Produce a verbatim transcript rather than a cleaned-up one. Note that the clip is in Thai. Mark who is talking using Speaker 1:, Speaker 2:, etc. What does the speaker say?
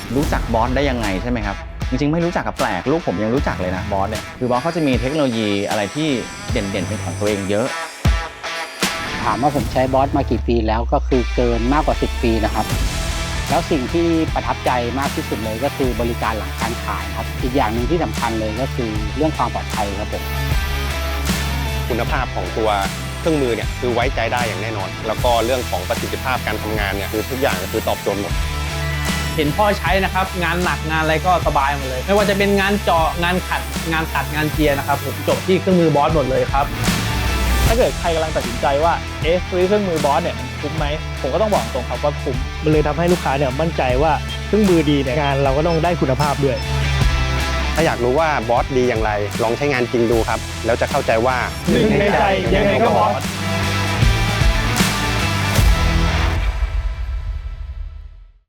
Speaker 1: รู้จักบอสได้ยังไงใช่ไหมครับจริงๆไม่รู้จักกับแปลกลูกผมยังรู้จักเลยนะบอสเนี่ยคือบอสเขาจะมีเทคโนโลยีอะไรที่เด่นๆเป็นของตัวเองเยอะ
Speaker 2: ถามว่าผมใช้บอสมากี่ปีแล้วก็คือเกินมากกว่าสิบปีนะครับแล้วสิ่งที่ประทับใจมากที่สุดเลยก็คือบริการหลังการขายครับอีกอย่างหนึ่งที่สำคัญเลยก็คือเรื่องความปลอดภัยครับผม
Speaker 3: คุณภาพของตัวเครื่องมือเนี่ยคือไว้ใจได้อย่างแน่นอนแล้วก็เรื่องของประสิทธิภาพการทำงานเนี่ยคือทุกอย่างคือตอบโจทย์หมด
Speaker 4: เห็นพ่อใช้นะครับงานหนักงานอะไรก็สบายหมดเลยไม่ว่าจะเป็นงานเจาะงานขัดงานตัดงานเจียนะครับผมจบที่เครื่องมือบอสหมดเลยครับ
Speaker 5: ถ้าเกิดใครกำลังตัดสินใจว่าเอ๊ะซื้อเครื่องมือบอสเนี่ยมันคุ้มไหมผมก็ต้องบอกตรงครับว่าคุ้มมันเลยทำให้ลูกค้าเนี่ยมั่นใจว่าเครื่องมือดีเนี่ยงานเราก็ต้องได้คุณภาพด้วย
Speaker 3: ถ้าอยากรู้ว่าบอสดีอย่างไรลองใช้งานจริงดูครับแล้วจะเข้าใจว่า
Speaker 5: หนึ่งในใจยังไงก็บอส